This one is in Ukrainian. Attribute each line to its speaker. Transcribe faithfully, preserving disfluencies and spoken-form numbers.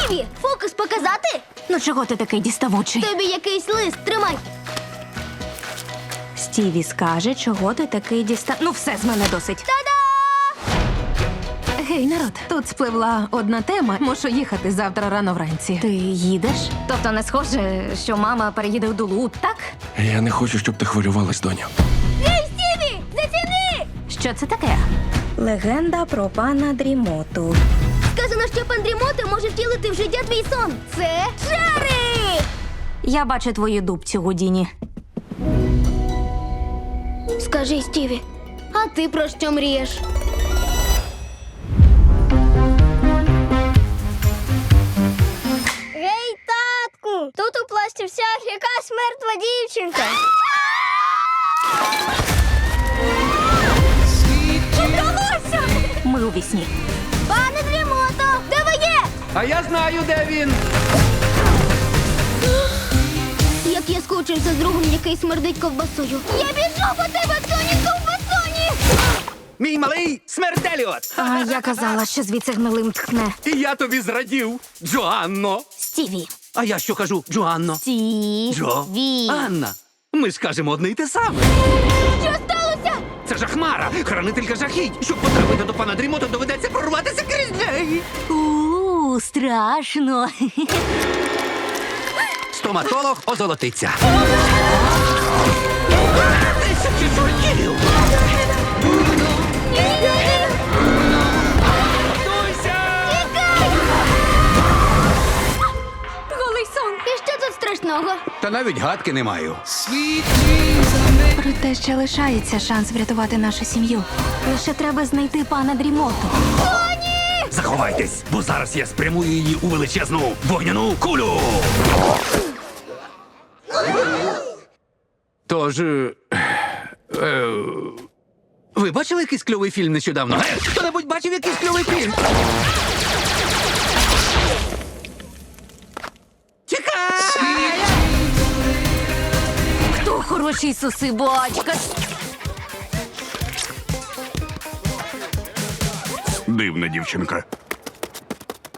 Speaker 1: Стіві, фокус показати?
Speaker 2: Ну чого ти такий діставучий?
Speaker 1: Тобі якийсь лист, тримай.
Speaker 2: Стіві скаже, чого ти такий діста... Ну все, з мене досить.
Speaker 1: Та-да!
Speaker 3: Гей, народ, тут спливла одна тема. Мушу їхати завтра рано вранці.
Speaker 2: Ти їдеш? Тобто не схоже, що мама переїде в Дулу, так?
Speaker 4: Я не хочу, щоб ти хвилювалась, доню.
Speaker 1: Ей, Стіві, заціни!
Speaker 2: Що це таке? Легенда про пана Дрімоту.
Speaker 1: Сказано, що пан Дрімота може втілити в життя твій сон. Це чари!
Speaker 2: Я бачу твою дубцю, Гудіні.
Speaker 1: Скажи, Стіві, а ти про що мрієш? Гей, татку! Тут у пласті вся якась мертва дівчинка. Удалося!
Speaker 2: Ми у вісні.
Speaker 1: Пане Дрімото, де ви є?
Speaker 5: А я знаю, де він.
Speaker 1: Як я скучився з другом, який смердить ковбасою. Я біжу по тебе, Тоні, ковбасоні!
Speaker 5: Мій малий смерделіот.
Speaker 2: А я казала, що звідси гнилим тхне.
Speaker 5: І я тобі зрадів, Джоанно.
Speaker 2: Стіві.
Speaker 5: А я що кажу, Джоанно?
Speaker 2: Стіві.
Speaker 5: Джо. Анна. Ми ж кажемо одне й те саме.
Speaker 1: Що сталося?
Speaker 5: Це жахмара, хранителька жахіть. Щоб потрапити до пана Дрімота, доведеться прорватися крізь неї.
Speaker 2: У, страшно.
Speaker 5: Стоматолог озолотиться. Тисячі чортів! Готуйся!
Speaker 1: Голий сон. І що тут страшного?
Speaker 5: Та навіть гадки не маю.
Speaker 3: Проте ще лишається шанс врятувати нашу сім'ю.
Speaker 2: Лише треба знайти пана Дрімоту.
Speaker 5: Заховайтесь, бо зараз я спрямую її у величезну вогняну кулю. Тож. Е, е, ви бачили якийсь кльовий фільм нещодавно? Е, хто-небудь бачив якийсь кльовий фільм? Тікай!
Speaker 2: Хто хороший сосибачка?
Speaker 6: Дивна дівчинка.